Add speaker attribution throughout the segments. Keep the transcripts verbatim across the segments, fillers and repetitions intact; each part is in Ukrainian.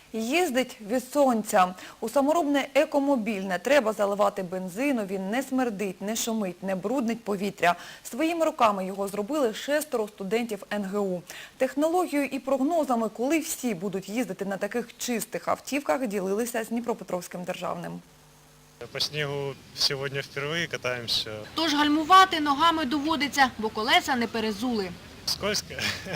Speaker 1: Їздить від сонця. У саморобний екомобіль не треба заливати бензину, він не смердить, не шумить, не бруднить повітря. Своїми руками його зробили шестеро студентів ен ге у. Технологією і прогнозами, коли всі будуть їздити на таких чистих автівках, ділилися з Дніпропетровським державним.
Speaker 2: По снігу сьогодні вперше катаємося.
Speaker 3: Тож гальмувати ногами доводиться, бо колеса не перезули.
Speaker 2: Скользко,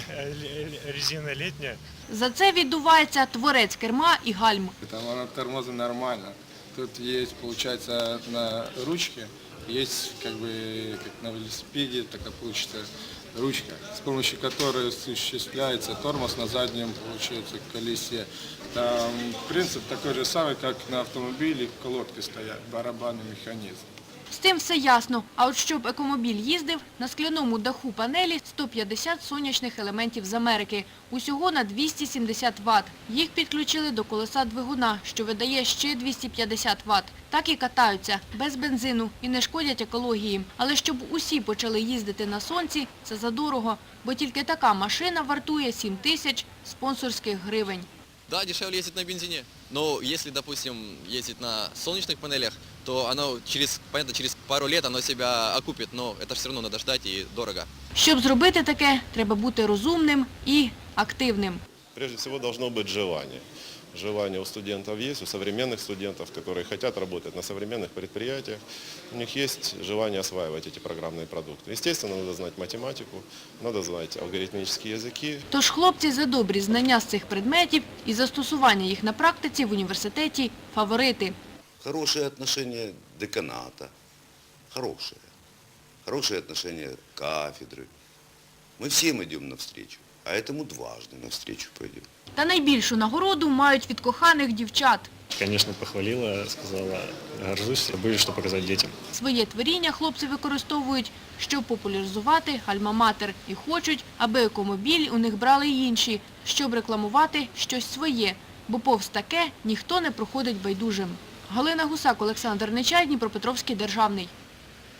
Speaker 2: резина літня.
Speaker 3: За це віддувається творець керма і гальм.
Speaker 4: Там тормозы нормально. Тут есть, получается, на ручке, есть как бы как на велосипеде, такая получится ручка, с помощью которой осуществляется тормоз на заднем, получается, колесе. Там принцип такой же самый, как на автомобиле, колодки стоят, барабанный механизм.
Speaker 3: З тим все ясно. А от щоб екомобіль їздив, на скляному даху панелі сто п'ятдесят сонячних елементів з Америки. Усього на двісті сімдесят ватт. Їх підключили до колеса двигуна, що видає ще двісті п'ятдесят ватт. Так і катаються, без бензину і не шкодять екології. Але щоб усі почали їздити на сонці, це задорого. Бо тільки така машина вартує сім тисяч спонсорських гривень.
Speaker 5: Да, дешевле ездить на бензине, но если, допустим, ездить на солнечных панелях, то оно через, понятно, через пару лет оно себя окупит, но это все равно надо ждать и дорого.
Speaker 3: Щоб зробити таке, треба бути розумним і активним.
Speaker 6: Прежде всего должно быть желание. Желание у студентов есть, у современных студентов, которые хотят работать на современных предприятиях. У них есть желание осваивать эти программные продукты. Естественно, надо знать математику, надо знать алгоритмические языки.
Speaker 3: Тож хлопці за добрі знання з цих предметів і застосування їх на практиці в університеті – фаворити.
Speaker 7: Хорошее отношение деканата, хорошее. Хорошее отношение кафедры. Мы всем идем навстречу, а этому дважды навстречу пойдем.
Speaker 3: Та найбільшу нагороду мають від коханих дівчат.
Speaker 2: Звісно, похвалила, сказала, горжусь, буде що показати дітям.
Speaker 3: Своє творіння хлопці використовують, щоб популяризувати альма-матер. І хочуть, аби екомобіль у них брали й інші, щоб рекламувати щось своє. Бо повз таке ніхто не проходить байдужим. Галина Гусак, Олександр Нечай, Дніпропетровський державний.